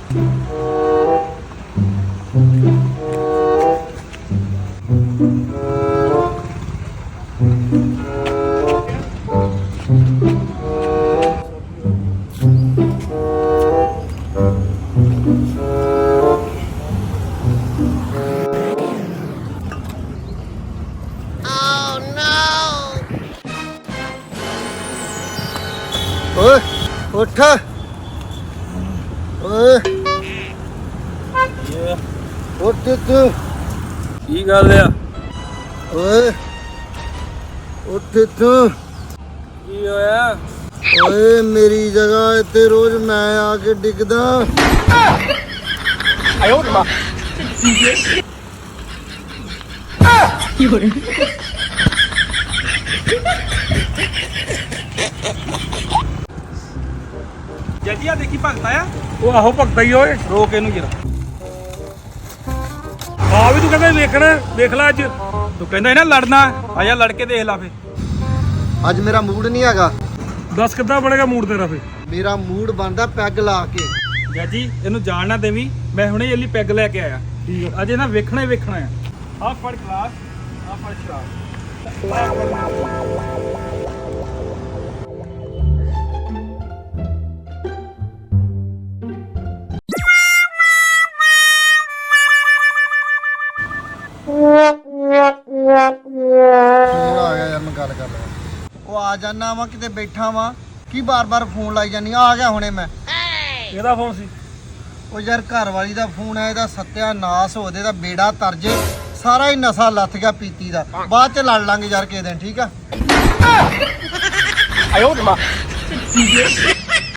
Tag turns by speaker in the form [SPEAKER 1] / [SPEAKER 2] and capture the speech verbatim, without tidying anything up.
[SPEAKER 1] ਓਏ ਉੱਠ ਓਏ ਉੱਠ ਤੂੰ
[SPEAKER 2] ਕੀ ਗੱਲ ਆ
[SPEAKER 1] ਓਏ ਉੱਠ ਤੂੰ
[SPEAKER 2] ਕੀ ਹੋਇਆ
[SPEAKER 1] ਓਏ ਮੇਰੀ ਜਗ੍ਹਾ ਇੱਥੇ ਰੋਜ਼ ਮੈਂ ਆ ਕੇ ਡਿੱਗਦਾ
[SPEAKER 2] ਆਇਓ ਮਾ
[SPEAKER 3] ਕੀ ਹੋ ਰਿਹਾ
[SPEAKER 2] ਜੱਜੀ ਆ ਦੇਖੀ ਭਗਤਾ ਆ ਉਹ ਆਹੋ ਭਗਤਾ ਹੀ ਓਏ ਰੋਕ ਇਹਨੂੰ ਜਰਾ ਆ ਵੀ ਤੂੰ ਕਹਿੰਦਾ ਵੇਖਣਾ ਵੇਖ ਲੈ ਅੱਜ ਤੂੰ ਕਹਿੰਦਾ ਨਾ ਲੜਨਾ ਆ ਜਾ ਲੜ ਕੇ ਦੇਖ ਲਾ ਫੇ
[SPEAKER 1] ਅੱਜ ਮੇਰਾ ਮੂਡ ਨਹੀਂ ਹੈਗਾ
[SPEAKER 2] ਦੱਸ ਕਿੱਦਾਂ ਬਣੇਗਾ ਮੂਡ ਤੇਰਾ ਫੇ
[SPEAKER 1] ਮੇਰਾ ਮੂਡ ਬਣਦਾ ਪੈਗ ਲਾ ਕੇ
[SPEAKER 2] ਜੱਜੀ ਇਹਨੂੰ ਜਾਣ ਨਾ ਦੇਵੀਂ ਮੈਂ ਹੁਣੇ ਜੱਲੀ ਪੈਗ ਲੈ ਕੇ ਆਇਆ ਠੀਕ ਆ ਅਜੇ ਨਾ ਵੇਖਣਾ ਹੀ ਵੇਖਣਾ ਆ ਆ ਫੜ ਗਲਾਸ ਆ ਫੜ ਸ਼ਰਾਬ
[SPEAKER 1] ਫੋਨ ਆ ਗਿਆ ਯਾਰ ਮੈਂ ਗੱਲ ਕਰ ਲਵਾਂ ਉਹ ਆ ਜਾਣਾ ਵਾ ਕਿਤੇ ਬੈਠਾ ਵਾ ਕੀ ਬਾਰ-ਬਾਰ ਫੋਨ ਲਾਈ ਜਾਨੀ ਆ ਗਿਆ ਹੁਣੇ ਮੈਂ
[SPEAKER 2] ਇਹਦਾ ਫੋਨ ਸੀ
[SPEAKER 1] ਉਹ ਯਾਰ ਘਰ ਵਾਲੀ ਦਾ ਫੋਨ ਆ ਇਹਦਾ ਸਤਿਆਨਾਸ਼ ਹੋ ਦੇ ਦਾ ਬੇੜਾ ਤਰਜੇ ਸਾਰਾ ਹੀ ਨਸ਼ਾ ਲੱਥ ਗਿਆ ਪੀਤੀ ਦਾ ਬਾਅਦ ਚ ਲੜ ਲਾਂਗੇ ਯਾਰ ਕਿਸੇ ਦਿਨ ਠੀਕ ਆ
[SPEAKER 2] ਆਇਓ ਮਾ